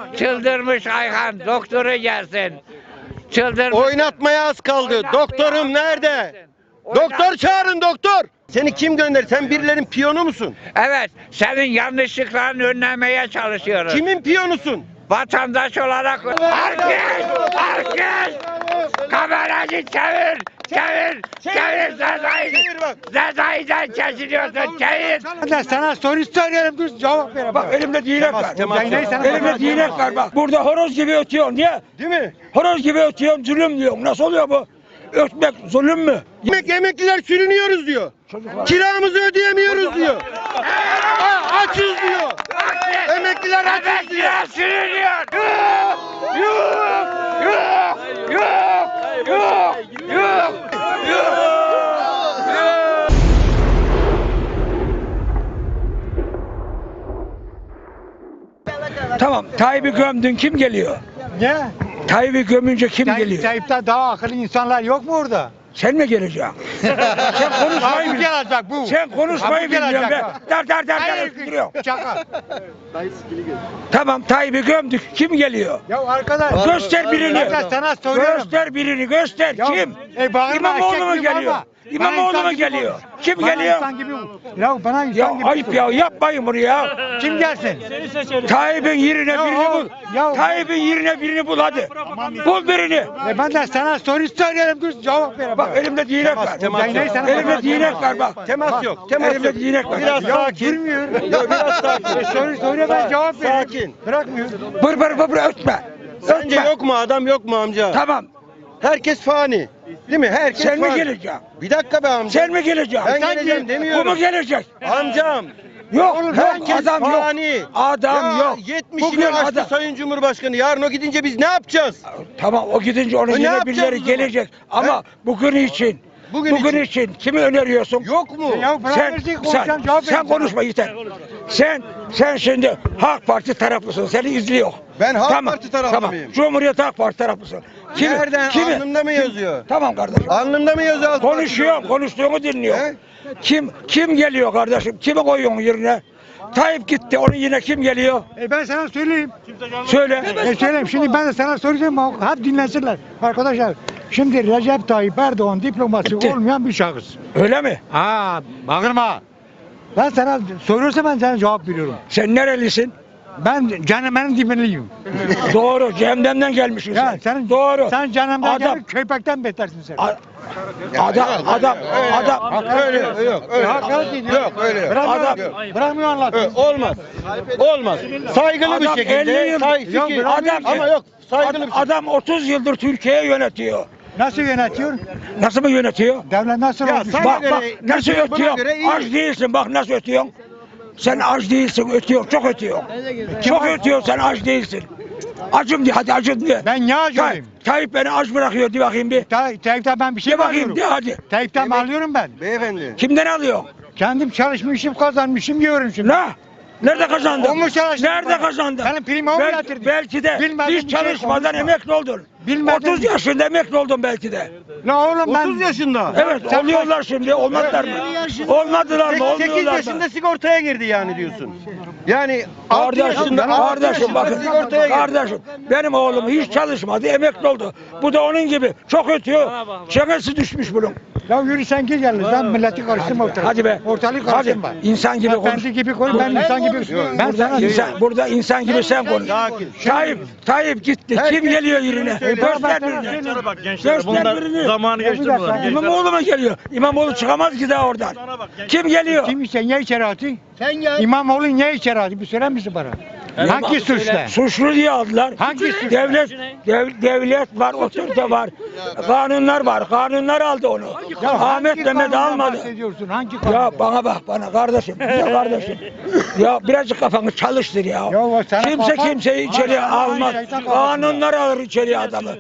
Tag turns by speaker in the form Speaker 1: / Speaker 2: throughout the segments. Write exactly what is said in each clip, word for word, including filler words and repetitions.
Speaker 1: çıldırmış Ayhan doktoru gelsin. Çıldırmış.
Speaker 2: Oynatmaya az kaldı. Doktorum nerede? Doktor çağırın doktor. Seni kim gönder? Sen birilerin piyonu musun?
Speaker 1: Evet, senin yanlışlıklarını önlemeye çalışıyoruz.
Speaker 2: Kimin piyonusun?
Speaker 1: Vatandaş olarak herkes, herkes kamerayı çevir, çevir, çevir Sezai'den, Sezai'den kesiliyorsun, çevir.
Speaker 3: Ben sana soru soruyorum, dur cevap ver.
Speaker 4: Bak elimde değnek var.
Speaker 2: temas yok.
Speaker 4: Elimde değnek var bak. Burada horoz gibi ötüyorsun. Niye?
Speaker 2: Değil mi?
Speaker 4: Horoz gibi ötüyorsun, zulüm diyorsun. Nasıl oluyor bu? Ötmek zulüm mü?
Speaker 2: Emek, emekliler sürünüyoruz diyor. Kiramızı ödeyemiyoruz diyor. Aa, açız diyor. Emekliler açız diyor.
Speaker 1: Emekliler sürünüyor. Yok, yok, yok, yok, yok, yok, yok.
Speaker 4: Tamam. Tayyip'i gömdün, kim geliyor?
Speaker 3: Ne?
Speaker 4: Tayyip'i gömünce kim
Speaker 3: Tayyip,
Speaker 4: geliyor?
Speaker 3: Tayyip'ten daha akıllı insanlar yok mu orada?
Speaker 4: Sen mi geleceksin? Sen konuşmayı
Speaker 3: Bu
Speaker 4: bil.
Speaker 3: gelecek bu.
Speaker 4: Sen konuşmayı
Speaker 3: Bu
Speaker 4: bilmiyorsun
Speaker 3: gelecek
Speaker 4: be.
Speaker 3: bak.
Speaker 4: Dar dar dar dar
Speaker 3: Hayır,
Speaker 4: duruyor.
Speaker 3: şaka.
Speaker 4: Tamam Tayyip'i gömdük. Kim geliyor?
Speaker 3: Ya arkadaş.
Speaker 4: Göster birini.
Speaker 3: Arkadaş sana soruyorum.
Speaker 4: Göster birini göster.
Speaker 3: Ya,
Speaker 4: Kim?
Speaker 3: e, bağırma,
Speaker 4: İmamoğlu
Speaker 3: eşek
Speaker 4: mu
Speaker 3: gibi
Speaker 4: geliyor?
Speaker 3: bağırma.
Speaker 4: İmamoğlu
Speaker 3: Bana
Speaker 4: mu
Speaker 3: insan gibi
Speaker 4: geliyor?
Speaker 3: konuş.
Speaker 4: Kim
Speaker 3: Bana
Speaker 4: geliyor?
Speaker 3: insan gibi. Ya bana insan
Speaker 4: Ya
Speaker 3: gibi.
Speaker 4: ayıp
Speaker 3: konuş.
Speaker 4: ya yapmayın bunu ya.
Speaker 3: Kim gelsin?
Speaker 4: Tayyip'in yerine
Speaker 3: Ya
Speaker 4: birini
Speaker 3: o-
Speaker 4: bul.
Speaker 3: ya-
Speaker 4: Tayyip'in yerine birini bul hadi. Bul birini.
Speaker 3: E ben de sana soru soruyorum, dur cevap ver.
Speaker 4: Bak elimde değnek var.
Speaker 2: temas yok.
Speaker 3: Neyse, sana
Speaker 4: Elimde
Speaker 3: temas
Speaker 4: değnek
Speaker 3: yok.
Speaker 4: var bak.
Speaker 2: Temas yok. Temas
Speaker 4: Elimde
Speaker 2: yok.
Speaker 4: değnek var.
Speaker 2: Biraz
Speaker 3: Ya
Speaker 2: sakin.
Speaker 3: durmuyor.
Speaker 2: Yok biraz sakin.
Speaker 3: E soru soruyor, ben cevap veriyorum.
Speaker 2: Sakin.
Speaker 3: Bırakmıyor.
Speaker 4: Bır bır bır bır ötme.
Speaker 2: Sence
Speaker 4: Ötme.
Speaker 2: yok mu adam yok mu amca?
Speaker 4: Tamam.
Speaker 2: Herkes fani. Değil mi? Herkes
Speaker 4: Sen mi
Speaker 2: fani.
Speaker 4: geleceksin?
Speaker 2: Bir dakika be amca.
Speaker 4: Sen mi geleceksin?
Speaker 2: Ben
Speaker 4: Sen
Speaker 2: geleceğim
Speaker 4: gel.
Speaker 2: demiyorum.
Speaker 4: Bu mu gelecek?
Speaker 2: Amcam.
Speaker 4: Yok,
Speaker 2: Oğlum,
Speaker 4: yok
Speaker 2: herkes
Speaker 4: adam
Speaker 2: fani.
Speaker 4: yok. Adam
Speaker 2: ya,
Speaker 4: yok.
Speaker 2: yetmişini
Speaker 4: Bugün
Speaker 2: aştı
Speaker 4: adam.
Speaker 2: Sayın Cumhurbaşkanı. Yarın o gidince biz ne yapacağız?
Speaker 4: Tamam o gidince onun
Speaker 2: E, ne
Speaker 4: yine
Speaker 2: yapacağız
Speaker 4: birileri
Speaker 2: o zaman?
Speaker 4: gelecek. Ama bugün için.
Speaker 2: Bugün
Speaker 4: Bugün,
Speaker 2: için.
Speaker 4: için. kimi öneriyorsun?
Speaker 2: Yok mu?
Speaker 3: Ya bırak
Speaker 4: Sen,
Speaker 3: versin,
Speaker 4: sen,
Speaker 3: konuşacağım, cevap
Speaker 4: sen
Speaker 3: verin.
Speaker 4: konuşma yeter. Sen, sen şimdi Halk Parti taraflısın. Seni izliyor.
Speaker 2: Ben Halk Parti taraflı
Speaker 4: tamam.
Speaker 2: mıyım?
Speaker 4: Cumhuriyet Halk Parti taraflısın.
Speaker 2: Nereden? Alnımda mı yazıyor?
Speaker 4: Tamam kardeşim.
Speaker 2: Alnımda mı yazıyor? Halk Parti
Speaker 4: Konuşuyor,
Speaker 2: taraflı?
Speaker 4: konuştuğunu dinliyor.
Speaker 2: He?
Speaker 4: Kim kim geliyor kardeşim? Kimi koyuyorsun yerine? Tayyip gitti. Onun yine kim geliyor?
Speaker 3: E ben sana söyleyeyim.
Speaker 4: Söyle.
Speaker 3: E söyleyeyim, şimdi ben de sana soracağım, hep dinlesinler. Arkadaşlar, şimdi Recep Tayyip Erdoğan diploması
Speaker 4: Bitti.
Speaker 3: olmayan bir şahıs.
Speaker 4: Öyle mi?
Speaker 3: Ha, bağırma. Ben sana soruyorsa ben sana cevap veriyorum.
Speaker 4: Sen nerelisin?
Speaker 3: Ben cehennemin dibindeyim.
Speaker 4: Doğru. Cehennemden gelmişsin
Speaker 3: Ya
Speaker 4: sen.
Speaker 3: sen
Speaker 4: Doğru.
Speaker 3: Sen cehennemden
Speaker 4: Adam-
Speaker 3: gelip köpekten betersin sen.
Speaker 4: A- adam, adam, adam.
Speaker 2: Öyle yok, yok, öyle.
Speaker 3: Hakaret ediyor.
Speaker 2: Yok, öyle yok.
Speaker 3: Bırakmıyor,
Speaker 4: Adam-
Speaker 3: bırakmıyor
Speaker 2: Ö,
Speaker 3: anlatıyor.
Speaker 2: Olmaz. Olmaz. Saygılı bir
Speaker 4: Adam elli
Speaker 2: şekilde.
Speaker 4: yıl-
Speaker 2: Say,
Speaker 3: Yok,
Speaker 2: fikir.
Speaker 3: bırakmıyor
Speaker 4: ki.
Speaker 2: Ama yok. Saygılı
Speaker 4: Adam,
Speaker 2: bir şekilde.
Speaker 4: adam otuz yıldır Türkiye'yi yönetiyor.
Speaker 3: Nasıl yönetiyor?
Speaker 4: Nasıl mı yönetiyor?
Speaker 3: Devlet nasıl
Speaker 2: Ya
Speaker 3: olmuş?
Speaker 2: sen-
Speaker 4: Bak
Speaker 2: göre-
Speaker 4: bak nasıl
Speaker 2: buna
Speaker 4: ötüyor?
Speaker 2: göre iyi.
Speaker 4: Aç değilsin bak nasıl ötüyorsun. Sen aç değilsin ötüyor çok ötüyor. Çok ötüyor sen aç değilsin. Acım diye hadi acım diye.
Speaker 3: Ben ne acıyım?
Speaker 4: Tay- Tayyip beni aç bırakıyor de bakayım bir.
Speaker 3: Tay- Tayyip'ten ben bir şey
Speaker 4: De
Speaker 3: mi
Speaker 4: bakayım
Speaker 3: alıyorum?
Speaker 4: de hadi.
Speaker 3: Tayyip'ten mi alıyorum ben?
Speaker 2: Beyefendi.
Speaker 4: Kimden alıyorsun?
Speaker 3: Kendim çalışmışım, kazanmışım diyorum şimdi.
Speaker 4: Ne? Nerede kazandın?
Speaker 3: O mu çalıştı
Speaker 4: Nerede
Speaker 3: bana?
Speaker 4: kazandın?
Speaker 3: Benim primi o mu
Speaker 4: Bel-
Speaker 3: getirdi?
Speaker 4: Belki de
Speaker 3: Bilmediğim
Speaker 4: hiç
Speaker 3: bir şey
Speaker 4: çalışmadan
Speaker 3: konuşma.
Speaker 4: emekli oldun.
Speaker 3: Bilmediğim
Speaker 4: otuz
Speaker 3: bir-
Speaker 4: yaşında emekli oldun belki de.
Speaker 3: La oğlum ben...
Speaker 2: otuz yaşında.
Speaker 4: Evet
Speaker 3: Sen
Speaker 4: oluyorlar şimdi olmadılar mı? Olmadılar mı?
Speaker 2: sekiz
Speaker 4: Olmuyorlar mı?
Speaker 2: yaşında sigortaya girdi yani diyorsun. Yani altı
Speaker 4: Kardeşim,
Speaker 2: yaşında, altı
Speaker 4: kardeşim
Speaker 2: yaşında
Speaker 4: bakın,
Speaker 2: sigortaya girdi.
Speaker 4: kardeşim benim oğlum hiç çalışmadı, emekli oldu. Bu da onun gibi çok ötüyor. Çenesi düşmüş bunun.
Speaker 3: Ya yürü sen gel yalnız, ben milleti karıştırma ortalığı.
Speaker 4: Hadi be.
Speaker 3: Ortalığı
Speaker 4: Hadi.
Speaker 3: karıştırma.
Speaker 4: İnsan gibi
Speaker 3: Ben
Speaker 4: konuş.
Speaker 3: kendi gibi konuş, ben insan gibi. Ben
Speaker 4: Burada
Speaker 3: sana
Speaker 4: insan, burada insan gibi sen konuş.
Speaker 2: Sakin.
Speaker 4: Tayyip, Tayyip gitti.
Speaker 2: Herkes
Speaker 4: Kim geliyor yerine?
Speaker 2: söylüyor.
Speaker 4: Göster
Speaker 3: Ben sana
Speaker 4: birini.
Speaker 3: söyleyeyim.
Speaker 5: Bak gençler
Speaker 4: Göster
Speaker 5: bunlar
Speaker 4: birini.
Speaker 5: zamanı
Speaker 3: Ya bir
Speaker 5: geçti
Speaker 3: dakika.
Speaker 5: bunlar. Gençler.
Speaker 4: İmamoğlu mu geliyor? İmamoğlu çıkamaz ki daha oradan. Kim geliyor?
Speaker 3: Kim ise niye içeri attı? Sen gel. İmamoğlu niye içeri attı? Bir söyler misin bana? Hangi suçla?
Speaker 4: Suçlu diye aldılar.
Speaker 3: Hangi suçla?
Speaker 4: Devlet, dev- devlet var, otorite var. Kanunlar var. Kanunlar aldı onu. Ahmet Mehmet
Speaker 3: kanundan
Speaker 4: almadı.
Speaker 3: bahsediyorsun? Hangi
Speaker 4: Ya
Speaker 3: kanundan?
Speaker 4: bana bak bana kardeşim. Ya kardeşim. Ya birazcık kafanı çalıştır ya.
Speaker 3: Ya o sana
Speaker 4: Kimse
Speaker 3: kafa-
Speaker 4: kimseyi içeri
Speaker 3: Hayır, hayır,
Speaker 4: almaz.
Speaker 3: şeytan kafası.
Speaker 4: Kanunlar alır içeriye adamı.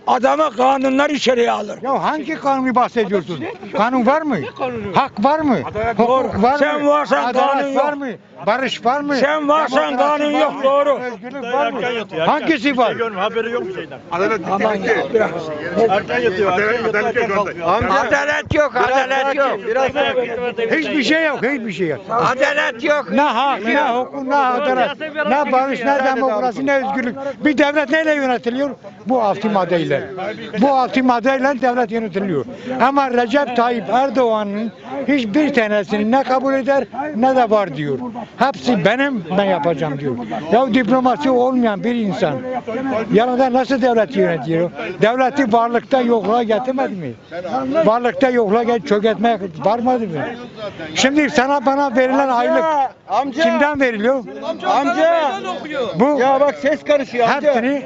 Speaker 4: Adamı kanunlar içeriye alır.
Speaker 3: Ya hangi kanunu bahsediyorsun? Kanun var mı? Hak var mı?
Speaker 4: Doğru.
Speaker 3: Hukuk var mı?
Speaker 4: Sen varsan
Speaker 3: Adalet
Speaker 4: kanun yok.
Speaker 3: var mı? Barış var mı?
Speaker 4: Sen varsan
Speaker 3: Demokrasi
Speaker 4: kanun
Speaker 3: var
Speaker 4: yok,
Speaker 3: mı?
Speaker 4: doğru.
Speaker 3: Özgürlük var mı? Hangisi var?
Speaker 5: Haberi yok bir şeyden.
Speaker 4: Aman ya biraz.
Speaker 5: Erken yatıyor. Erken yatıyor. Erken kalkıyor.
Speaker 2: Amca
Speaker 1: Adalet yok, adalet yok.
Speaker 2: biraz
Speaker 3: Hiçbir şey yok, hiçbir şey yok.
Speaker 1: Adalet yok.
Speaker 3: Ne hak, ne hukuk, ne adalet, ne barış, ne demokrasi, ne özgürlük. Bir devlet neyle yönetiliyor? Bu altı maddeyle. Bu altı maddeyle devlet yönetiliyor. Ama Recep Tayyip Erdoğan'ın hiçbir tanesini ne kabul eder ne de var diyor. Hepsi benim, ben yapacağım diyor. Ya diplomasi olmayan bir insan yanında nasıl devleti yönetiyor? Devleti varlıkta yokluğa getirmedi mi? Varlıkta yokluğa get çökertmeye varmadı mı? Şimdi sana bana verilen aylık
Speaker 2: amca
Speaker 3: kimden veriliyor?
Speaker 2: amca
Speaker 3: Bu
Speaker 2: ya bak ses karışıyor amca.
Speaker 3: hepsini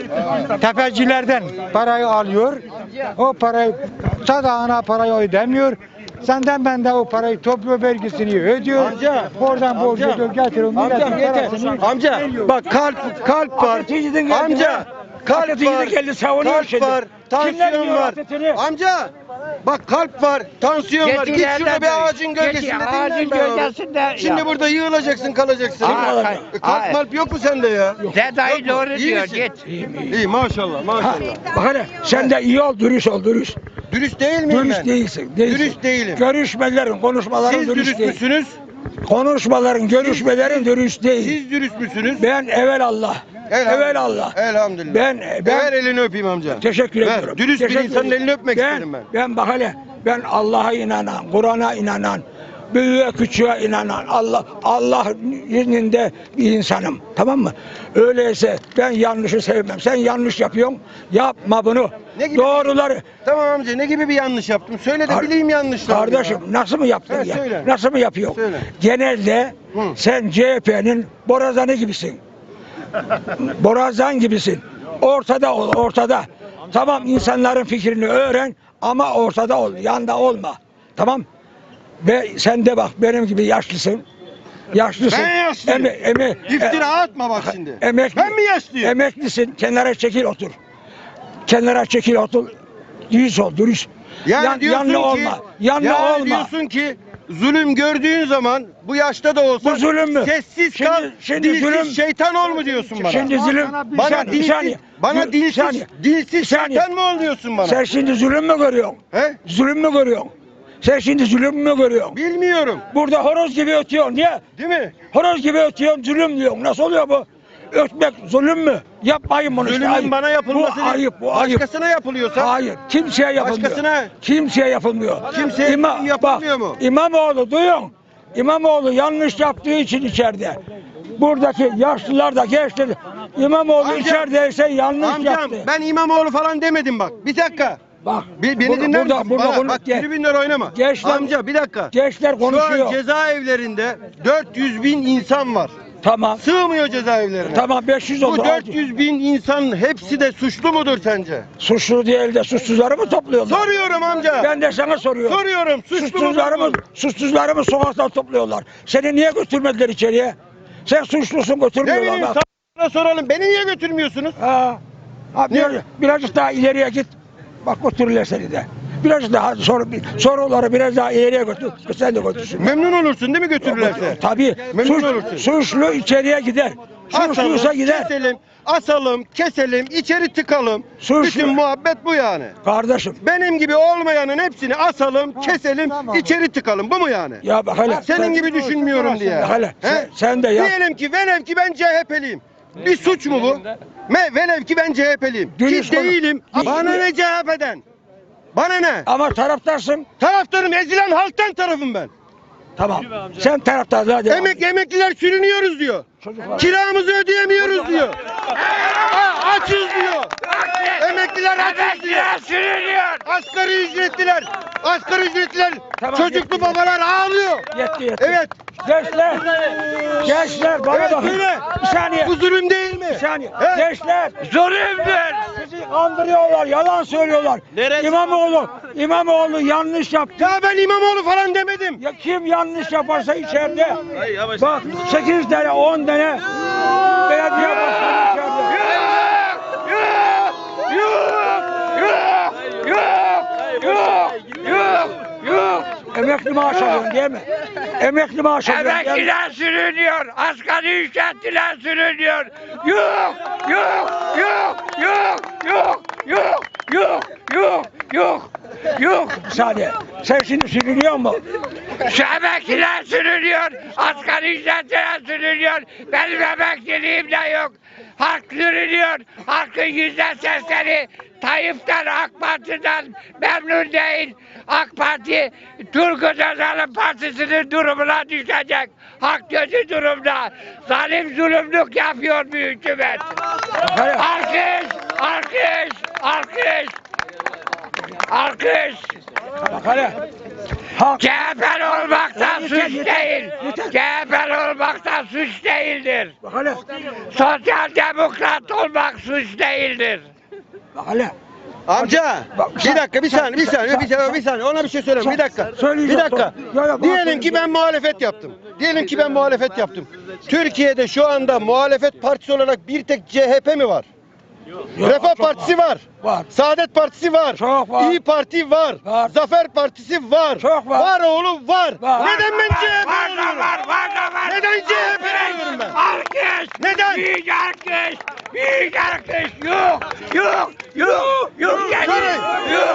Speaker 3: tefecilerden parayı alıyor. O parayı sadağına parayı ödemiyor. Senden benden o parayı topluyor, vergisini ödüyor.
Speaker 2: Amca,
Speaker 3: Oradan borcu
Speaker 2: amca,
Speaker 3: ödüyor, getiriyor.
Speaker 2: Amca
Speaker 3: milletin
Speaker 2: yeter.
Speaker 3: parasını
Speaker 2: Amca
Speaker 3: veriyor.
Speaker 2: bak kalp kalp var.
Speaker 4: Atatürk'ün geldi
Speaker 2: Amca
Speaker 4: ya.
Speaker 2: kalp
Speaker 4: Atatürk'ün
Speaker 2: var.
Speaker 4: geldi, savunuyor
Speaker 2: Kalp
Speaker 4: şimdi.
Speaker 2: var.
Speaker 4: Kimler
Speaker 2: Tansiyon
Speaker 4: biliyor
Speaker 2: var.
Speaker 4: Atatürk'ü?
Speaker 2: Amca bak kalp var, tansiyon var. Git şurada bir ağacın gölgesinde
Speaker 1: Ağacın
Speaker 2: dinlen ben onu.
Speaker 1: gölgesinde.
Speaker 2: Şimdi
Speaker 1: Ya.
Speaker 2: burada yığılacaksın, kalacaksın.
Speaker 1: Aa,
Speaker 2: E, kalp
Speaker 1: hayır.
Speaker 2: malp yok mu sende ya?
Speaker 1: Dedayı doğru
Speaker 2: İyi
Speaker 1: diyor,
Speaker 2: misin?
Speaker 1: git.
Speaker 2: İyi maşallah maşallah.
Speaker 4: Bak hele sen de iyi ol, dürüst ol, dürüst.
Speaker 2: Dürüst değil miyim
Speaker 4: Dürüst
Speaker 2: ben?
Speaker 4: değilsin, değilsin.
Speaker 2: Dürüst değilim.
Speaker 4: Görüşmelerin, konuşmaların
Speaker 2: Siz
Speaker 4: dürüst
Speaker 2: dürüst
Speaker 4: değil.
Speaker 2: müsünüz?
Speaker 4: Konuşmaların, görüşmelerin dürüst değil.
Speaker 2: Siz dürüst müsünüz?
Speaker 4: Ben evvel Allah. Evvel Allah.
Speaker 2: Elhamdülillah.
Speaker 4: Ben ben
Speaker 2: Ver elini öpeyim amca.
Speaker 4: teşekkür
Speaker 2: Ver,
Speaker 4: ediyorum.
Speaker 2: dürüst bir
Speaker 4: Teşekkür
Speaker 2: insanın
Speaker 4: ediyorum.
Speaker 2: elini öpmek isterim ben.
Speaker 4: Ben bak hele ben Allah'a inanan, Kur'an'a inanan, büyüğe küçüğe inanan, Allah Allah izninde bir insanım. Tamam mı? Öyleyse ben yanlışı sevmem. Sen yanlış yapıyorsun. Yapma bunu.
Speaker 2: Ne gibi-
Speaker 4: Doğruları.
Speaker 2: Tamam amca ne gibi bir yanlış yaptım? Söyle de
Speaker 4: Kar-
Speaker 2: bileyim yanlışlarımı.
Speaker 4: Kardeşim nasıl mı yaptın
Speaker 2: Ha,
Speaker 4: ya?
Speaker 2: söyle.
Speaker 4: Nasıl mı yapıyor?
Speaker 2: Söyle.
Speaker 4: Genelde
Speaker 2: Hı.
Speaker 4: sen C H P'nin borazanı gibisin. Borazan gibisin. Ortada ol, ortada. Tamam insanların fikrini öğren ama ortada ol, yanda olma. Tamam? Ve sen de bak benim gibi yaşlısın. Yaşlısın.
Speaker 2: Ben yaşlıyım.
Speaker 4: Eme, eme,
Speaker 2: İftira atma bak şimdi.
Speaker 4: Emekli,
Speaker 2: Ben mi yaşlıyım?
Speaker 4: Emeklisin. Kenara çekil otur. Kenara çekil otur. Dürüst ol, dürüst.
Speaker 2: Yani
Speaker 4: Yan-
Speaker 2: diyorsun
Speaker 4: yanlı
Speaker 2: ki,
Speaker 4: olma. Yanlı
Speaker 2: yani
Speaker 4: olma.
Speaker 2: diyorsun ki zulüm gördüğün zaman bu yaşta da olsa
Speaker 4: Bu zulüm mü?
Speaker 2: sessiz
Speaker 4: Şimdi-
Speaker 2: kal,
Speaker 4: şimdi
Speaker 2: dilsiz
Speaker 4: zulüm-
Speaker 2: şeytan ol mu diyorsun bana?
Speaker 4: Şimdi zulüm.
Speaker 3: Bana bir
Speaker 2: bana
Speaker 4: saniye,
Speaker 2: dilsiz,
Speaker 4: bir saniye.
Speaker 2: bana
Speaker 4: Bir
Speaker 2: dilsiz,
Speaker 4: saniye.
Speaker 2: dilsiz
Speaker 4: Bir saniye.
Speaker 2: şeytan mı ol diyorsun bana?
Speaker 4: Sen şimdi zulüm mü görüyorsun?
Speaker 2: He?
Speaker 4: Zulüm mü görüyorsun? Sen şimdi zulüm mü görüyorsun?
Speaker 2: Bilmiyorum.
Speaker 4: Burada horoz gibi ötüyorsun. Niye?
Speaker 2: Değil mi?
Speaker 4: Horoz gibi ötüyorsun, zulüm diyorsun. Nasıl oluyor bu? Ötmek zulüm mü? Yapmayın bunu. işte,
Speaker 2: Zulümün
Speaker 4: ayıp.
Speaker 2: bana yapılması
Speaker 4: Bu ayıp, bu ayıp.
Speaker 2: başkasına yapılıyorsa
Speaker 4: Hayır, kimseye yapılmıyor.
Speaker 2: Başkasına-
Speaker 4: Kimseye yapılmıyor.
Speaker 2: Kimseye
Speaker 4: İma-
Speaker 2: yapılmıyor
Speaker 4: bak,
Speaker 2: mu?
Speaker 4: İmamoğlu duyun. İmamoğlu yanlış yaptığı için içeride. Buradaki yaşlılar da gençler. İmamoğlu
Speaker 2: Amcam,
Speaker 4: içerideyse yanlış
Speaker 2: amcam
Speaker 4: yaptı.
Speaker 2: ben İmamoğlu falan demedim bak. Bir dakika.
Speaker 4: Bak.
Speaker 2: Bir, beni
Speaker 4: burada-
Speaker 2: dinler
Speaker 4: burada,
Speaker 2: misin?
Speaker 4: Burada,
Speaker 2: Bana,
Speaker 4: konu-
Speaker 2: bak
Speaker 4: ge-
Speaker 2: tribünler oynama.
Speaker 4: Gençler-
Speaker 2: Amca bir dakika.
Speaker 4: gençler
Speaker 2: Şu an
Speaker 4: konuşuyor.
Speaker 2: cezaevlerinde dört yüz bin insan var.
Speaker 4: Tamam.
Speaker 2: Sığmıyor cezaevlerine.
Speaker 4: Tamam beş yüz oldu.
Speaker 2: Bu dört yüz bin insan hepsi de suçlu mudur sence?
Speaker 4: Suçlu değil de suçsuzları mı topluyorlar?
Speaker 2: Soruyorum amca.
Speaker 4: Ben de sana soruyorum.
Speaker 2: Soruyorum. Suçlu
Speaker 4: Suçsuzları mı,
Speaker 2: mudur?
Speaker 4: suçsuzları mı sokaktan topluyorlar? Seni niye götürmediler içeriye? Sen suçlusun
Speaker 2: Ne
Speaker 4: götürmüyorlar.
Speaker 2: bileyim
Speaker 4: bak.
Speaker 2: sana soralım. Beni niye götürmüyorsunuz?
Speaker 4: Ha. Ha,
Speaker 2: Niye?
Speaker 4: biraz, birazcık daha ileriye git. Bak götürürler seni de. Birazcık daha soru, soruları biraz daha ileriye götür. Sen de götürsün.
Speaker 2: Memnun olursun değil mi götürürlerse?
Speaker 4: Tabii.
Speaker 2: Memnun
Speaker 4: Suç,
Speaker 2: olursun.
Speaker 4: suçlu içeriye gider. Suçluysa
Speaker 2: Asalım,
Speaker 4: gider.
Speaker 2: keselim, asalım, keselim, içeri tıkalım.
Speaker 4: Suçlu.
Speaker 2: Bütün muhabbet bu yani.
Speaker 4: Kardeşim.
Speaker 2: Benim gibi olmayanın hepsini asalım, keselim,
Speaker 3: tamam.
Speaker 2: içeri tıkalım. Bu mu yani?
Speaker 4: Ya bak hele.
Speaker 2: Senin
Speaker 4: sen-
Speaker 2: gibi düşünmüyorum diye.
Speaker 4: Hele,
Speaker 2: He?
Speaker 4: sen- sen de yap.
Speaker 2: Diyelim ki velev ki ben C H P'liyim. Bir suç mu bu? Me velev ki ben C H P'liyim.
Speaker 4: Dürüst
Speaker 2: Ki
Speaker 4: konu-
Speaker 2: değilim.
Speaker 4: Di-
Speaker 2: Bana ne C H P'den? Bana ne?
Speaker 4: Ama taraftarsın.
Speaker 2: Taraftarım ezilen halktan tarafım ben.
Speaker 4: Tamam. Sen taraftarlığa devam.
Speaker 2: Emek emekliler sürünüyoruz diyor.
Speaker 4: Çocuklar.
Speaker 2: Kiramızı ödeyemiyoruz diyor. Aa, açız diyor. Emekliler açız diyor.
Speaker 1: Emekliler sürünüyor.
Speaker 2: Asgari ücretliler, asgari ücretliler,
Speaker 4: Tamam,
Speaker 2: çocuklu
Speaker 4: yetti.
Speaker 2: babalar ağlıyor.
Speaker 4: Yetti yetti.
Speaker 2: Evet.
Speaker 4: Gençler. Gençler bana
Speaker 2: Evet,
Speaker 4: bakın.
Speaker 2: söyle.
Speaker 4: Bir saniye.
Speaker 2: Bu zulüm değil mi?
Speaker 4: Bir saniye.
Speaker 2: He?
Speaker 4: Gençler.
Speaker 1: Zulümdür.
Speaker 4: Sizi kandırıyorlar, yalan söylüyorlar. İmamoğlu, İmamoğlu yanlış yaptı.
Speaker 2: Ya ben İmamoğlu falan demedim.
Speaker 4: Ya kim yanlış yaparsa içeride. Bak sekiz tane, on tane belediye başkanı içeride.
Speaker 1: Yuh! Yuh!
Speaker 4: alıyorsun değil mi? Emekli maaşı alıyorsun değil mi?
Speaker 1: Emekliler sürünüyor, asgari ücretliler sürünüyor. Yok, yok, yok, yok, yok, yok, yok, yok, yok, yok.
Speaker 4: Bir saniye. Sen şimdi sürünüyor mu?
Speaker 1: Şu emekliler sürünüyor, asgari ücretliler sürünüyor. Benim emekliliğim de yok. Halk sürünüyor, halkın yüzde sekseni Tayyip'ten, AK Parti'den memnun değil. AK Parti, Turgut Özal'ın partisinin durumuna düşecek. Halk kötü durumda. Zalim zulümlük yapıyor bir hükümet. Alkış, alkış, alkış. Alkış.
Speaker 4: Bak hele. Halk
Speaker 1: C H P'li olmaktan suç değil. C H P'li olmaktan suç değildir.
Speaker 4: bak hele.
Speaker 1: Sosyal demokrat olmak suç değildir.
Speaker 4: Bak hele.
Speaker 2: Amca
Speaker 4: Bak,
Speaker 2: bir
Speaker 4: sen-
Speaker 2: dakika bir
Speaker 4: sen-
Speaker 2: saniye bir
Speaker 4: sen-
Speaker 2: saniye bir
Speaker 4: sen-
Speaker 2: saniye bir saniye ona bir şey söyleyeyim
Speaker 4: sen-
Speaker 2: bir dakika.
Speaker 4: söyleyeceğim,
Speaker 2: Bir dakika.
Speaker 4: söyle. Yo, yo, bana
Speaker 2: Diyelim ki
Speaker 4: söyle.
Speaker 2: ben muhalefet yaptım. Diyelim ki ben muhalefet yaptım. Türkiye'de şu anda muhalefet partisi olarak bir tek C H P mi var? Refah
Speaker 4: çok
Speaker 2: Partisi var.
Speaker 4: Var.
Speaker 2: Saadet Partisi var.
Speaker 4: Çok var.
Speaker 2: İyi Parti var.
Speaker 4: Var.
Speaker 2: Zafer Partisi var.
Speaker 4: Çok var.
Speaker 2: Var oğlum var.
Speaker 4: Var.
Speaker 2: Neden ben C H P
Speaker 1: Var da
Speaker 2: oluyorum?
Speaker 1: var, var da var.
Speaker 2: Neden C H P oluyorum ben?
Speaker 1: Alkış.
Speaker 2: Neden?
Speaker 1: Büyük alkış. Büyük alkış. Yok, yok, yok, yok. Yani.
Speaker 2: Sorry.
Speaker 1: Yok.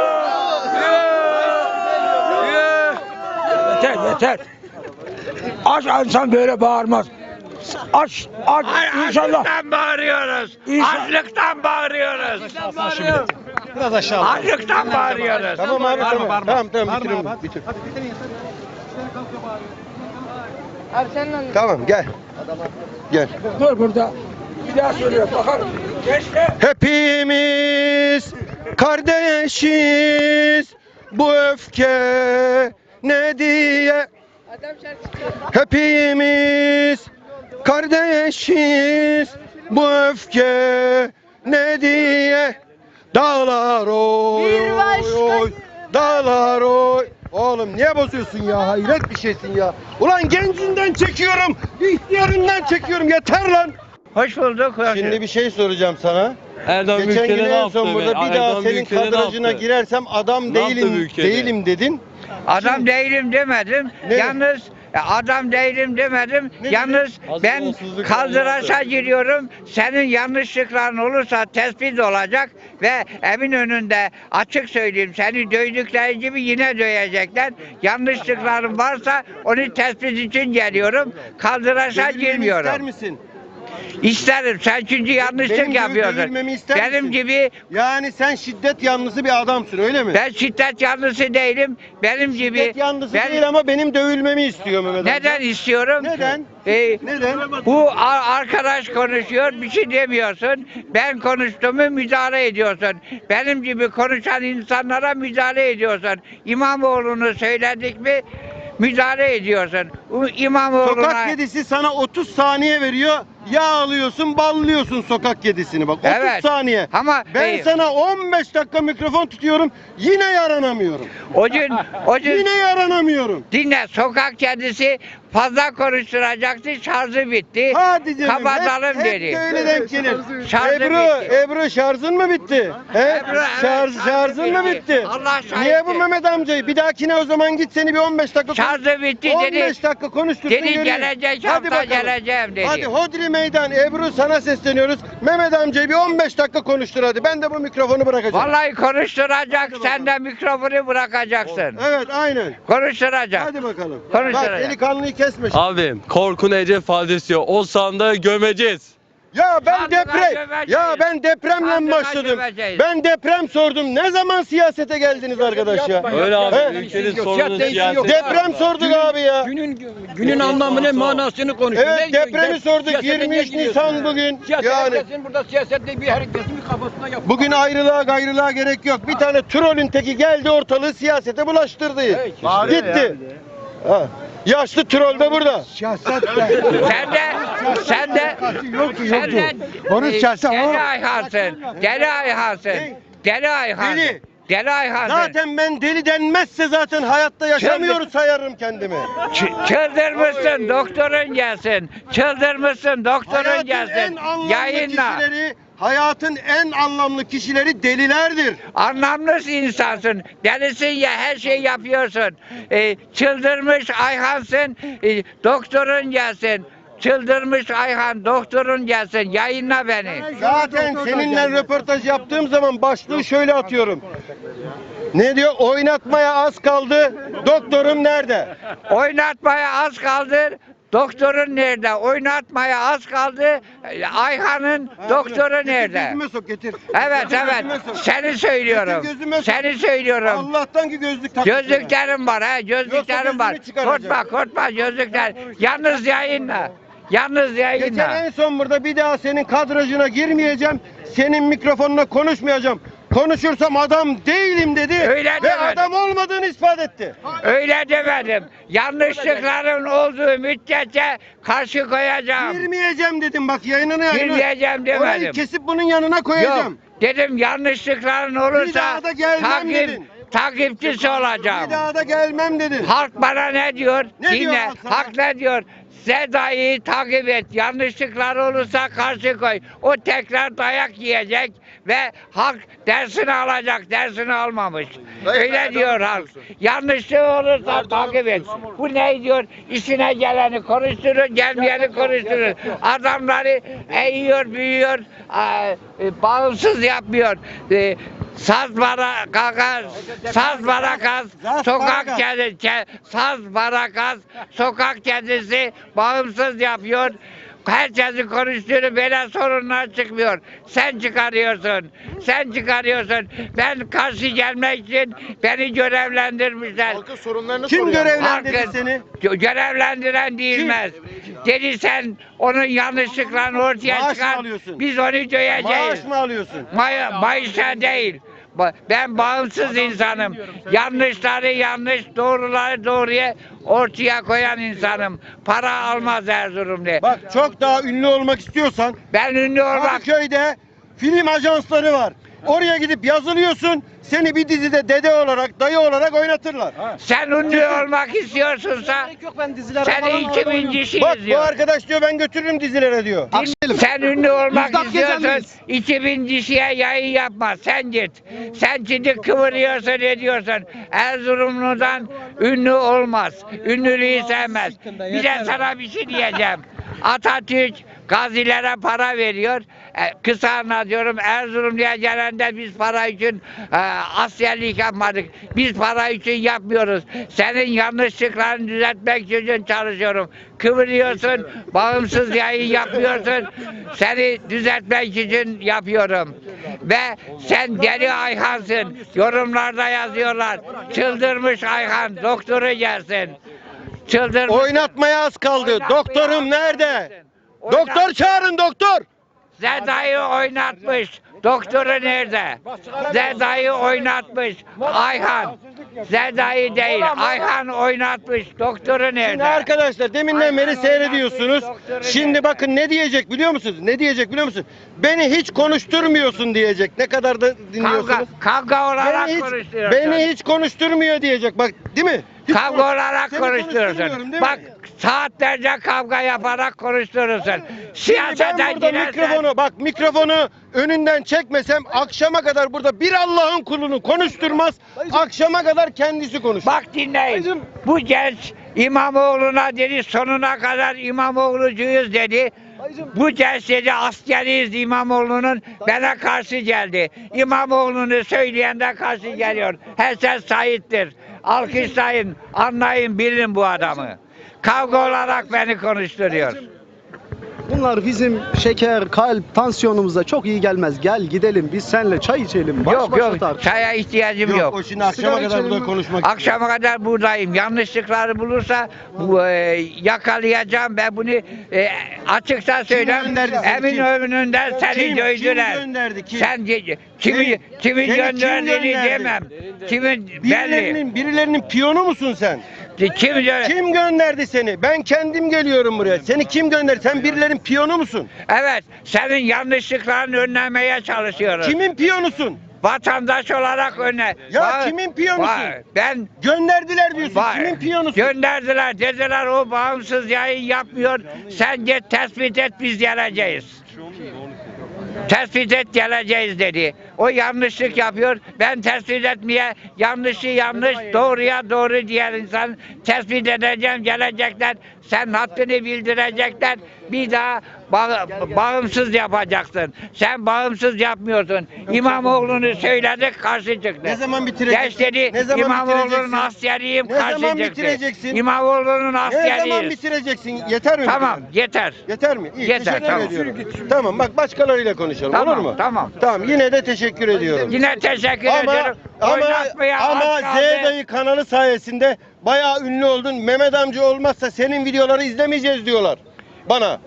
Speaker 1: Yok.
Speaker 4: Yeter yeter. Aç insan böyle bağırmaz. Aç aç
Speaker 1: Ay,
Speaker 4: inşallah.
Speaker 1: Açlıktan bağırıyoruz.
Speaker 4: İnşallah.
Speaker 1: Açlıktan bağırıyoruz.
Speaker 5: Biraz aşağı.
Speaker 1: Açlıktan bağırıyoruz.
Speaker 2: Tamam abi tamam. Tamam tamam bitirin. Bitir. Tamam gel. Gel.
Speaker 4: Dur burada. Bir daha söylüyorum bakalım. Gençler.
Speaker 2: Hepimiz kardeşiz. Bu öfke ne diye? Hepimiz kardeşiz. Bu öfke ne diye? Dağlar oy oy. Dağlar oy. Oğlum niye bozuyorsun ya? Hayret bir şeysin ya. Ulan gencinden çekiyorum. İhtiyarından çekiyorum. Yeter lan.
Speaker 1: Hoş bulduk. hoş
Speaker 2: Şimdi bir şey soracağım sana.
Speaker 6: Erdoğan
Speaker 2: Geçen gün
Speaker 6: Büyükşehir'e ne
Speaker 2: en
Speaker 6: yaptı?
Speaker 2: son burada
Speaker 6: be?
Speaker 2: bir daha
Speaker 6: Erdoğan
Speaker 2: senin
Speaker 6: Büyükşehir'e ne
Speaker 2: kadrajına
Speaker 6: yaptı?
Speaker 2: girersem adam
Speaker 6: Ne yaptı
Speaker 2: değilim
Speaker 6: Büyükşehir'e?
Speaker 2: değilim dedin.
Speaker 1: Adam değilim demedim.
Speaker 2: Ne?
Speaker 1: Yalnız e, adam değilim demedim.
Speaker 2: Ne
Speaker 1: Yalnız
Speaker 6: Az
Speaker 1: ben
Speaker 6: yolsuzluk
Speaker 1: kaldıraça
Speaker 6: olmazdı.
Speaker 1: giriyorum. Senin yanlışlıkların olursa tespit olacak ve evin önünde açık söyleyeyim seni dövdükleri gibi yine dövecekler. Yanlışlıkların varsa onu tespit için geliyorum. Kaldıraça
Speaker 2: Dövülmemi
Speaker 1: girmiyorum.
Speaker 2: ister misin?
Speaker 1: İsterim. Sen çünkü yanlışlık
Speaker 2: Benim gibi
Speaker 1: yapıyorsun.
Speaker 2: dövülmemi ister
Speaker 1: Benim
Speaker 2: misin?
Speaker 1: gibi
Speaker 2: Yani sen şiddet yanlısı bir adamsın öyle mi?
Speaker 1: ben şiddet yanlısı değilim. Benim gibi
Speaker 2: Şiddet yanlısı
Speaker 1: ben-
Speaker 2: değil ama benim dövülmemi istiyor Mehmet amca.
Speaker 1: Neden istiyorum?
Speaker 2: Neden?
Speaker 1: Ee,
Speaker 2: Neden?
Speaker 1: bu a- arkadaş konuşuyor, bir şey demiyorsun. Ben konuştuğumu müdahale ediyorsun. Benim gibi konuşan insanlara müdahale ediyorsun. İmamoğlu'nu söyledik mi müdahale ediyorsun. Bu İmamoğlu'na...
Speaker 2: Sokak kedisi sana otuz saniye veriyor. Yağ alıyorsun, ballıyorsun sokak kedisini bak. otuz
Speaker 1: Evet.
Speaker 2: saniye.
Speaker 1: Ama
Speaker 2: Ben
Speaker 1: e,
Speaker 2: sana on beş dakika mikrofon tutuyorum. Yine yaranamıyorum.
Speaker 1: o gün, o gün
Speaker 2: Yine yaranamıyorum.
Speaker 1: dinle, sokak kedisi fazla konuşturacaktı, şarjı bitti.
Speaker 2: Hadi canım.
Speaker 1: Kapatalım
Speaker 2: hep,
Speaker 1: dedi.
Speaker 2: hep böyle denk gelir.
Speaker 1: Şarjı
Speaker 2: Ebru,
Speaker 1: bitti.
Speaker 2: Ebru şarjın mı bitti? He?
Speaker 1: Ebru, evet,
Speaker 2: Şarj,
Speaker 1: şarjı
Speaker 2: şarjın mı
Speaker 1: bitti.
Speaker 2: bitti?
Speaker 1: Allah şahittir.
Speaker 2: Niye bu Mehmet amcayı? Bir dahakine o zaman git seni bir on beş dakika
Speaker 1: Şarjı bitti
Speaker 2: on
Speaker 1: dedi.
Speaker 2: beş dakika konuştursun
Speaker 1: Dedi
Speaker 2: göreyim.
Speaker 1: gelecek
Speaker 2: Hadi
Speaker 1: hafta
Speaker 2: bakalım.
Speaker 1: geleceğim dedi.
Speaker 2: Hadi Hodri Meydan Ebru sana sesleniyoruz. Mehmet amcayı bir on beş dakika konuştur hadi. Ben de bu mikrofonu bırakacağım.
Speaker 1: Vallahi konuşturacak, sen de mikrofonu bırakacaksın.
Speaker 2: Evet aynen.
Speaker 1: Konuşturacak.
Speaker 2: Hadi bakalım.
Speaker 1: Konuşturacak.
Speaker 2: Bak delikanlıyı kesme. şimdi.
Speaker 6: Abim korkun ece fazlası yok. O sandığı gömeceğiz.
Speaker 2: Ya ben
Speaker 1: Sandığa
Speaker 2: deprem
Speaker 1: gömeceğiz.
Speaker 2: ya ben depremle
Speaker 1: Sandığa
Speaker 2: başladım.
Speaker 1: gömeceğiz.
Speaker 2: Ben deprem sordum. Ne zaman siyasete geldiniz arkadaş ya?
Speaker 6: Öyle abi
Speaker 2: He?
Speaker 6: ülkenin sorunu siyaset.
Speaker 2: Deprem sorduk abi ya.
Speaker 7: Günün günün anlamını, manasını konuşuyor.
Speaker 2: Evet depremi sorduk. yirmi üç Nisan bugün.
Speaker 7: Yani.
Speaker 2: Yani
Speaker 7: Herkesin burada siyasette bir hareketin bir kafasına yapıyor.
Speaker 2: bugün ayrılığa gayrılığa gerek yok. Bir tane trollün teki geldi ortalığı siyasete bulaştırdı. Gitti. Ha. Yaşlı troll de burada.
Speaker 3: Siyaset de.
Speaker 1: Sen de, sen de,
Speaker 3: Yoktu
Speaker 1: sen
Speaker 3: yoktu.
Speaker 1: de
Speaker 3: Onun
Speaker 1: e,
Speaker 3: siyasi
Speaker 1: deli
Speaker 3: o.
Speaker 1: Ayhansın, deli Ayhansın, deli Ayhansın.
Speaker 2: Deli.
Speaker 1: Deli Ayhan'sın.
Speaker 2: Zaten ben deli denmezse zaten hayatta yaşamıyoruz sayarım kendimi.
Speaker 1: Ç- çıldırmışsın, doktorun gelsin. Çıldırmışsın, doktorun
Speaker 2: Hayatın
Speaker 1: gelsin.
Speaker 2: en anlamlı
Speaker 1: Yayınla.
Speaker 2: kişileri, hayatın en anlamlı kişileri delilerdir.
Speaker 1: Anlamlı insansın. Delisin ya, her şey yapıyorsun. Ee, çıldırmış Ayhan'sın. Ee, doktorun gelsin. Çıldırmış Ayhan, doktorun gelsin. Yayınla beni.
Speaker 2: Zaten seninle röportaj yaptığım zaman başlığı şöyle atıyorum. Ne diyor? Oynatmaya az kaldı. Doktorum nerede?
Speaker 1: Oynatmaya az kaldı. Doktorun nerede? Oynatmaya az kaldı. Ayhan'ın doktoru
Speaker 2: Getir
Speaker 1: nerede?
Speaker 2: Gözüme sok getir.
Speaker 1: Evet
Speaker 2: Getir
Speaker 1: evet.
Speaker 2: gözüme sok.
Speaker 1: Seni söylüyorum.
Speaker 2: Getir gözüme sok.
Speaker 1: Seni söylüyorum.
Speaker 2: Allah'tan ki gözlük takmışsın.
Speaker 1: Gözlüklerim var ha. Gözlüklerim
Speaker 2: Yoksa
Speaker 1: var.
Speaker 2: gözünü çıkaracağım.
Speaker 1: Korkma korkma gözlükler. Yalnız yayınla. Yalnız
Speaker 2: Geçen
Speaker 1: yayınla.
Speaker 2: en son burada bir daha senin kadrajına girmeyeceğim. Senin mikrofonuna konuşmayacağım. Konuşursam adam değilim dedi.
Speaker 1: Öyle
Speaker 2: ve
Speaker 1: demedim.
Speaker 2: adam olmadığını ispat etti.
Speaker 1: Öyle demedim. Yanlışlıkların olduğu müddetçe karşı koyacağım.
Speaker 2: Girmeyeceğim dedim bak yayınına yayına.
Speaker 1: Girmeyeceğim demedim.
Speaker 2: Orayı kesip bunun yanına koyacağım.
Speaker 1: Yok. Dedim yanlışlıkların
Speaker 2: Bir
Speaker 1: olursa
Speaker 2: daha da gelmem
Speaker 1: takip,
Speaker 2: dedin.
Speaker 1: takipçisi olacağım.
Speaker 2: Bir daha da gelmem dedin.
Speaker 1: Halk bana ne diyor?
Speaker 2: Ne diyor
Speaker 1: Dinle.
Speaker 2: halk sana?
Speaker 1: Halk ne diyor? Seda'yı takip et. Yanlışlıklar olursa karşı koy. O tekrar dayak yiyecek ve halk dersini alacak. Dersini almamış. Öyle diyor halk. Yanlışlık olursa takip et. Bu ne diyor? İşine geleni konuşturur, gelmeyeni konuşturur. Adamları eğiyor, büyüyor, e, e, bağımsız yapmıyor. E, Saz barakas, saz barakas,
Speaker 2: Saz
Speaker 1: sokak
Speaker 2: barakas.
Speaker 1: kedisi, saz barakas, sokak kedisi bağımsız yapıyor. Herkesi konuştuğunu böyle sorunlar çıkmıyor. Sen çıkarıyorsun. Sen çıkarıyorsun. Ben karşı gelmek için beni görevlendirmişler.
Speaker 2: Kim görevlendirdi
Speaker 1: Halkın
Speaker 2: seni?
Speaker 1: gö- görevlendiren değilmez. Dedi sen onun yanlışlıklarını ortaya
Speaker 2: Maaş mı
Speaker 1: çıkar.
Speaker 2: alıyorsun?
Speaker 1: Biz onu döveceğiz.
Speaker 2: Maaş mı alıyorsun?
Speaker 1: May Mayışa değil. Ba- Ben bağımsız insanım. Yanlışları yanlış, doğruları doğruya ortaya koyan insanım. Para almaz Erzurumlu.
Speaker 2: Bak çok daha ünlü olmak istiyorsan
Speaker 1: Ben ünlü olmak...
Speaker 2: Kadıköy'de film ajansları var. Oraya gidip yazılıyorsun. Seni bir dizide dede olarak, dayı olarak oynatırlar.
Speaker 1: Sen ünlü olmak istiyorsunsa seni iki bin kişi
Speaker 2: Bak bu
Speaker 1: izliyor.
Speaker 2: arkadaş diyor ben götürürüm dizilere diyor.
Speaker 1: Sen ünlü olmak
Speaker 5: Müjdat
Speaker 1: istiyorsan
Speaker 5: Gezen'deyiz.
Speaker 1: iki bin kişiye yayın yapma. Sen git. Sen şimdi kıvırıyorsun ediyorsun. Erzurumlu'dan ünlü olmaz. Ünlülüğü sevmez. Bir de sana bir şey diyeceğim. Atatürk gazilere para veriyor. E, kısa anlatıyorum. Erzurumlu'ya gelende biz para için e, askerlik yapmadık. Biz para için yapmıyoruz. Senin yanlışlıklarını düzeltmek için çalışıyorum. Kıvırıyorsun, bağımsız yayın yapıyorsun. Seni düzeltmek için yapıyorum. Ve sen deli Ayhan'sın. Yorumlarda yazıyorlar. Çıldırmış Ayhan, doktoru gelsin. Çıldırmış.
Speaker 2: Oynatmaya az kaldı. Doktorum nerede? Doktor çağırın doktor.
Speaker 1: Zeda'yı oynatmış. Doktoru nerede? Zeda'yı oynatmış. Ayhan. Zeda'yı değil. Ayhan oynatmış. Doktoru
Speaker 2: Şimdi
Speaker 1: nerede?
Speaker 2: arkadaşlar deminden beri
Speaker 1: Ayhan
Speaker 2: seyrediyorsunuz.
Speaker 1: oynatmış, doktoru
Speaker 2: Şimdi
Speaker 1: nerede?
Speaker 2: bakın ne diyecek biliyor musunuz? Ne diyecek biliyor musun? Beni hiç konuşturmuyorsun diyecek. Ne kadar da dinliyorsunuz.
Speaker 1: Kavga, kavga olarak
Speaker 2: Beni hiç,
Speaker 1: konuşuyorsun.
Speaker 2: beni hiç konuşturmuyor diyecek. Bak değil mi? Hiç
Speaker 1: Kavga
Speaker 2: konuş-
Speaker 1: olarak
Speaker 2: Seni
Speaker 1: konuşturuyorsun.
Speaker 2: konuşturmuyorum, değil
Speaker 1: Bak
Speaker 2: mi?
Speaker 1: saatlerce kavga yaparak konuşturursun.
Speaker 2: Şimdi
Speaker 1: Siyasete
Speaker 2: ben burada
Speaker 1: girersen...
Speaker 2: mikrofonu bak mikrofonu önünden çekmesem akşama kadar burada bir Allah'ın kulunu konuşturmaz. Akşama kadar kendisi konuşur.
Speaker 1: Bak dinleyin. Bu genç İmamoğlu'na dedi sonuna kadar İmamoğlu'cuyuz dedi. Bu genç dedi askeriyiz İmamoğlu'nun bana karşı geldi. İmamoğlu'nu söyleyen de karşı geliyor. Herkes şahittir. Alkışlayın, anlayın, bilin bu adamı. Kavga olarak beni konuşturuyor.
Speaker 5: Bunlar bizim şeker, kalp, tansiyonumuza çok iyi gelmez. Gel gidelim biz seninle çay içelim. Baş
Speaker 1: Yok
Speaker 5: başa
Speaker 1: yok,
Speaker 5: tartış.
Speaker 1: çaya ihtiyacım
Speaker 2: Yok,
Speaker 1: yok.
Speaker 2: o şimdi akşama
Speaker 5: Sigara
Speaker 2: kadar
Speaker 5: içelim
Speaker 2: burada
Speaker 5: mi?
Speaker 2: konuşmak
Speaker 1: Akşama kadar buradayım. Yanlışlıkları bulursa bu, e, yakalayacağım ve bunu e, açıkça söyleyeyim.
Speaker 2: gönderdi seni,
Speaker 1: Emin
Speaker 2: kim?
Speaker 1: önünden seni
Speaker 2: Kim?
Speaker 1: dövdüler.
Speaker 2: Kim gönderdi, kim?
Speaker 1: Sen ge- kimi
Speaker 2: Seni-
Speaker 1: kimin
Speaker 2: seni kim
Speaker 1: gönderdiğini
Speaker 2: gönderdi?
Speaker 1: demem. Kimin belli.
Speaker 2: Birilerinin, birilerinin piyonu musun sen?
Speaker 1: Kim gö-
Speaker 2: Kim gönderdi seni? Ben kendim geliyorum buraya. Seni kim gönderdi? Sen birilerinin piyonu musun?
Speaker 1: Evet, senin yanlışlıklarını önlemeye çalışıyoruz.
Speaker 2: Kimin piyonusun?
Speaker 1: vatandaş olarak öne.
Speaker 2: Ya
Speaker 1: Ba-
Speaker 2: kimin piyonusun?
Speaker 1: Ba- Ben
Speaker 2: Gönderdiler diyorsun.
Speaker 1: Ba-
Speaker 2: Kimin piyonusun?
Speaker 1: Gönderdiler. Dediler o bağımsız yayın yapmıyor. Sen git tespit et, biz geleceğiz. Tespit et, geleceğiz dedi. O yanlışlık yapıyor. Ben tespit etmeye, yanlışı yanlış, doğruya doğru diğer insan tespit edeceğim, gelecekler. Sen haddini bildirecekler. Bir daha ba- bağımsız yapacaksın. Sen bağımsız yapmıyorsun. İmamoğlu'nu söyledik, karşı çıktı.
Speaker 2: Ne zaman bitireceksin?
Speaker 1: Geç dedi,
Speaker 2: Ne zaman
Speaker 1: İmamoğlu'nun
Speaker 2: bitireceksin?
Speaker 1: askeriyim,
Speaker 2: Ne
Speaker 1: karşı
Speaker 2: zaman
Speaker 1: çıktı.
Speaker 2: bitireceksin?
Speaker 1: İmamoğlu'nun
Speaker 2: Ne zaman
Speaker 1: askeriyiz.
Speaker 2: bitireceksin? Yeter mi?
Speaker 1: Tamam, yeter.
Speaker 2: Yeter mi? İyi,
Speaker 1: Yeter,
Speaker 2: teşekkür
Speaker 1: tamam.
Speaker 2: ediyorum. Tamam, bak başkalarıyla konuşalım,
Speaker 1: Tamam,
Speaker 2: olur mu?
Speaker 1: tamam.
Speaker 2: Tamam, yine de teşekkür ediyorum.
Speaker 1: Yine teşekkür
Speaker 2: Ama
Speaker 1: ediyorum.
Speaker 2: ama
Speaker 1: Oynatmaya
Speaker 2: ama
Speaker 1: az
Speaker 2: Z
Speaker 1: kaldı.
Speaker 2: dayı kanalı sayesinde bayağı ünlü oldun. Mehmet amca olmazsa senin videoları izlemeyeceğiz diyorlar bana.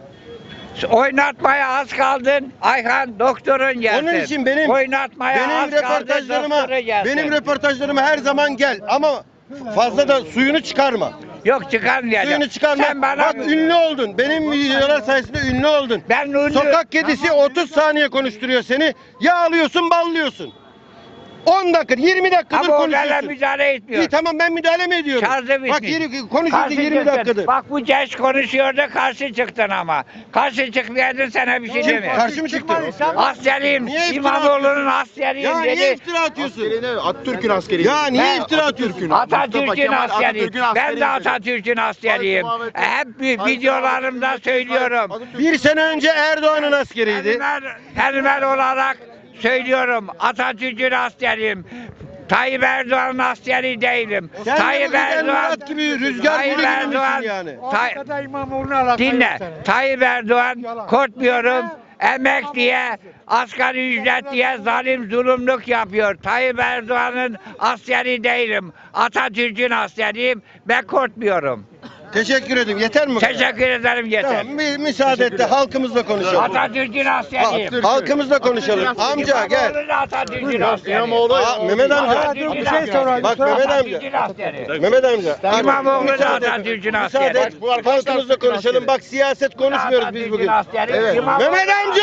Speaker 1: Oynatmaya az kaldın. Ayhan doktorun gelsin.
Speaker 2: Onun için benim
Speaker 1: Oynatmaya
Speaker 2: benim
Speaker 1: az
Speaker 2: röportajlarıma
Speaker 1: kaldı, doktoru gelsin.
Speaker 2: benim röportajlarıma her zaman gel ama fazla da suyunu çıkarma.
Speaker 1: Yok, çıkarmayacağım.
Speaker 2: Suyunu çıkarma.
Speaker 1: Sen bana
Speaker 2: Bak ünlü oldun. Benim videolar sayesinde ünlü oldun.
Speaker 1: Ben ünlü-
Speaker 2: Sokak kedisi otuz saniye konuşturuyor seni. Yağlıyorsun, ballıyorsun. on dakika, yirmi dakikadır
Speaker 1: ama onlarla
Speaker 2: konuşuyorsun.
Speaker 1: müdahale etmiyor.
Speaker 2: İyi tamam ben müdahale mi ediyorum?
Speaker 1: Şarjı
Speaker 2: Bak
Speaker 1: bitmiş.
Speaker 2: yeri, konuşuyordu
Speaker 1: Karşı
Speaker 2: yirmi
Speaker 1: çıktın.
Speaker 2: dakikadır.
Speaker 1: Bak bu genç konuşuyordu, karşı çıktın ama. Karşı çıkmayaydın, sana bir şey
Speaker 2: Kim?
Speaker 1: demiyorum.
Speaker 2: Karşı mı çıktı?
Speaker 1: Askeriyim,
Speaker 2: Niye iftira
Speaker 1: İmamoğlu'nun
Speaker 2: atıyorsun?
Speaker 1: askeriyim
Speaker 2: Ya
Speaker 1: dedi.
Speaker 2: niye iftira atıyorsun?
Speaker 5: Atatürk'ün askeri.
Speaker 2: Ya niye
Speaker 1: Ben-
Speaker 2: iftira atıyorsun?
Speaker 1: Atatürk'ün askeriyim. Ben de Atatürk'ün askeriyim. Hep bir videolarımda söylüyorum.
Speaker 2: Bir sene önce Erdoğan'ın askeriydi.
Speaker 1: Elmer, Elmer olarak söylüyorum. Atatürk'ün askeriyim. Tayyip Erdoğan'ın askeri değilim.
Speaker 2: Sen de
Speaker 1: Tayyip
Speaker 2: bu Güzel
Speaker 1: Erdoğan
Speaker 2: Murat gibi rüzgar
Speaker 1: Tayyip
Speaker 2: gülü gibi misin
Speaker 1: Erdoğan
Speaker 2: yani?
Speaker 1: Tay-
Speaker 3: Arkada İmamoğlu'na alakalı
Speaker 1: Dinle.
Speaker 3: yok senin.
Speaker 1: Tayyip Erdoğan
Speaker 3: Yalan.
Speaker 1: korkmuyorum. Emekliye, asgari ücret diye zalim zulümlük yapıyor. Tayyip Erdoğan'ın askeri değilim. Atatürk'ün askeriyim. Ben korkmuyorum.
Speaker 2: Teşekkür ederim. Yeter mi? bu kadar?
Speaker 1: Teşekkür ederim, yeter.
Speaker 2: Tamam, bir müsaade et de halkımızla konuşalım.
Speaker 1: Atatürk'ün askeriyim.
Speaker 2: Halk- Halkımızla konuşalım. Amca gel.
Speaker 1: İmamoğlu da Atatürk'ün askeri.
Speaker 2: Aa, Mehmet amca.
Speaker 1: Atatürk'ün
Speaker 3: bir şey
Speaker 1: askeri.
Speaker 3: sorayım.
Speaker 2: Bak Mehmet amca.
Speaker 1: Atatürk'ün askeri.
Speaker 2: Mehmet amca.
Speaker 1: İmamoğlu da
Speaker 2: Müsaade et.
Speaker 1: Atatürk'ün
Speaker 2: Müsaade
Speaker 1: askeri.
Speaker 2: et. Halkımızla konuşalım. Bak siyaset konuşmuyoruz biz bugün.
Speaker 1: Askeri.
Speaker 2: Evet.
Speaker 1: İmamoğlu-
Speaker 2: Mehmet amca!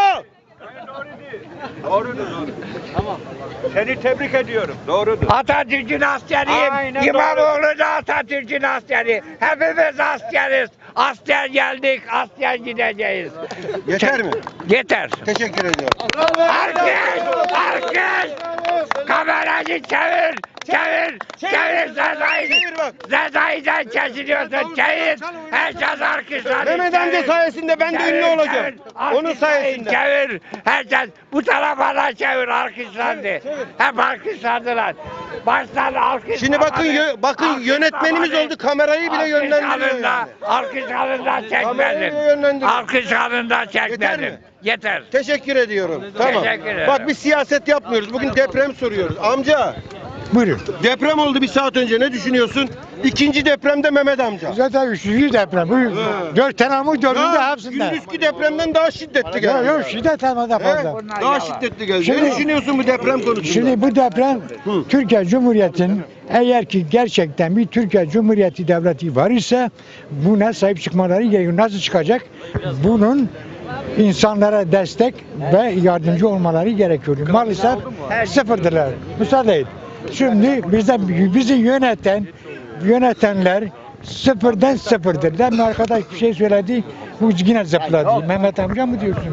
Speaker 7: Seni tebrik ediyorum. Doğrudur.
Speaker 1: Atatürk'ün askeriyim.
Speaker 7: Aynen
Speaker 1: İmamoğlu da Atatürk'ün askeri. Hepimiz askeriz. Asker geldik, asker gideceğiz.
Speaker 2: Yeter mi?
Speaker 1: Yeter.
Speaker 2: Teşekkür ediyorum.
Speaker 1: Alkış! Alkış! Kamerayı çevir! Çevir! Çevir Sezai'yi!
Speaker 2: Çevir bak.
Speaker 1: Sezai'den kesiliyorsun. Çevir! Herkes alkışlar.
Speaker 2: Mehmet amca sayesinde ben de ünlü olacağım. Onun sayesinde.
Speaker 1: Çevir! Herkes bu tarafa da çevir, alkışlandı. Hep alkışlandılar. Baştan alkış.
Speaker 2: Şimdi bakın yö- bakın
Speaker 1: Alkış
Speaker 2: yönetmenimiz
Speaker 1: zamanı.
Speaker 2: oldu, kamerayı bile
Speaker 1: Alkış
Speaker 2: yönlendiriyor
Speaker 1: alında,
Speaker 2: yani.
Speaker 1: Alkış alında
Speaker 2: Kamerayı
Speaker 1: çekmedim.
Speaker 2: bile yönlendiriyor.
Speaker 1: Alkış alında
Speaker 2: Yeter
Speaker 1: çekmedim.
Speaker 2: mi?
Speaker 1: Yeter.
Speaker 2: Teşekkür ediyorum. Tamam.
Speaker 1: Teşekkür ederim.
Speaker 2: Bak biz siyaset yapmıyoruz. Bugün deprem soruyoruz. Amca
Speaker 3: Buyurun.
Speaker 2: deprem oldu bir saat önce. Ne düşünüyorsun? İkinci depremde Mehmet amca.
Speaker 3: Zaten üçüncü deprem. Bu dört tane ama dördünde
Speaker 2: Ya,
Speaker 3: hepsinde.
Speaker 2: gündüzkü depremden daha şiddetli geldi.
Speaker 3: Yok yok şiddet ama da
Speaker 2: He?
Speaker 3: fazla.
Speaker 2: Daha şiddetli geldi.
Speaker 3: Şimdi-
Speaker 2: ne düşünüyorsun bu deprem konusunda?
Speaker 3: Şimdi bu deprem
Speaker 2: Hı.
Speaker 3: Türkiye Cumhuriyeti'nin eğer ki gerçekten bir Türkiye Cumhuriyeti devleti var ise buna sahip çıkmaları gerekiyor. Nasıl çıkacak? Bunun insanlara destek ve yardımcı olmaları gerekiyor. Maalesef sıfırdırlar. Müsaade et. Şimdi bize, bizi yöneten yönetenler sıfırdan sıfırdır. Demin arkadaş bir şey söyledi. Bu yine zıpladı. Mehmet amca mı diyorsun?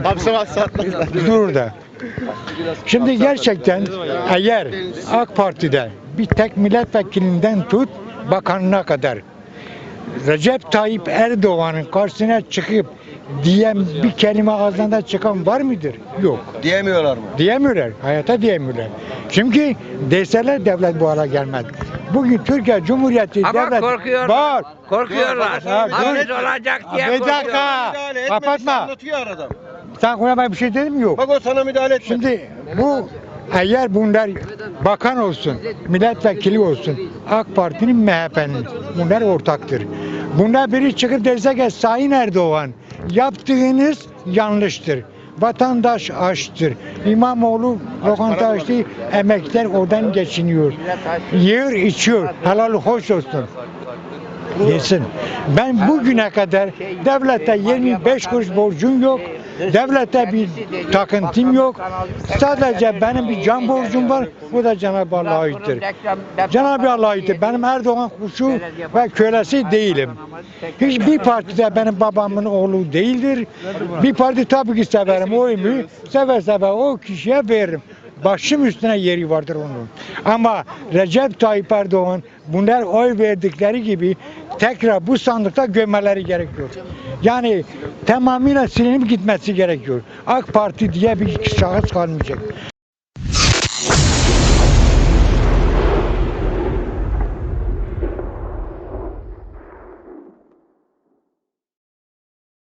Speaker 3: Dur da. Şimdi gerçekten eğer AK Parti'de bir tek milletvekilinden tut bakanına kadar Recep Tayyip Erdoğan'ın karşısına çıkıp diyen bir kelime ağzından çıkan var mıdır? Yok.
Speaker 2: Diyemiyorlar mı?
Speaker 3: Diyemiyorlar. Hayata diyemiyorlar. Çünkü deseler devlet bu hale gelmez. Bugün Türkiye Cumhuriyeti
Speaker 1: Ama
Speaker 3: devlet
Speaker 1: korkuyorlar.
Speaker 3: var.
Speaker 1: Korkuyorlar.
Speaker 3: Ha, dur.
Speaker 1: Hapis olacak diye
Speaker 3: Bir dakika.
Speaker 1: korkuyorlar.
Speaker 2: Müdahale etmedi,
Speaker 3: Kapatma.
Speaker 2: anlatıyor arada.
Speaker 3: Sen koyamaya bir şey dedim mi? Yok.
Speaker 2: Bak o sana müdahale etmedi.
Speaker 3: Şimdi bu eğer bunlar bakan olsun, milletvekili olsun, AK Parti'nin M H P'nin bunlar ortaktır. Bunlar biri çıkıp derse ki Sayın Erdoğan yaptığınız yanlıştır. Vatandaş açtır. İmamoğlu lokanta açtı, emekler oradan geçiniyor. Yiyor, içiyor. Helal hoş olsun. Yesin. Ben bugüne kadar devlete yirmi beş kuruş borcum yok. Devlette bir takıntım yok. Sadece benim bir can borcum var. Bu da Cenab-ı Allah'a aittir. Cenab-ı Allah'a aittir. Benim Erdoğan kuşu ve kölesi değilim. Hiçbir partide benim babamın oğlu değildir. Bir parti tabii ki severim. Oyumu seve seve o kişiye veririm. Başım üstüne yeri vardır onun. Ama Recep Tayyip Erdoğan bunlar oy verdikleri gibi tekrar bu sandıkta gömmeleri gerekiyor. Yani tamamıyla silinip gitmesi gerekiyor. AK Parti diye bir şahıs kalmayacak.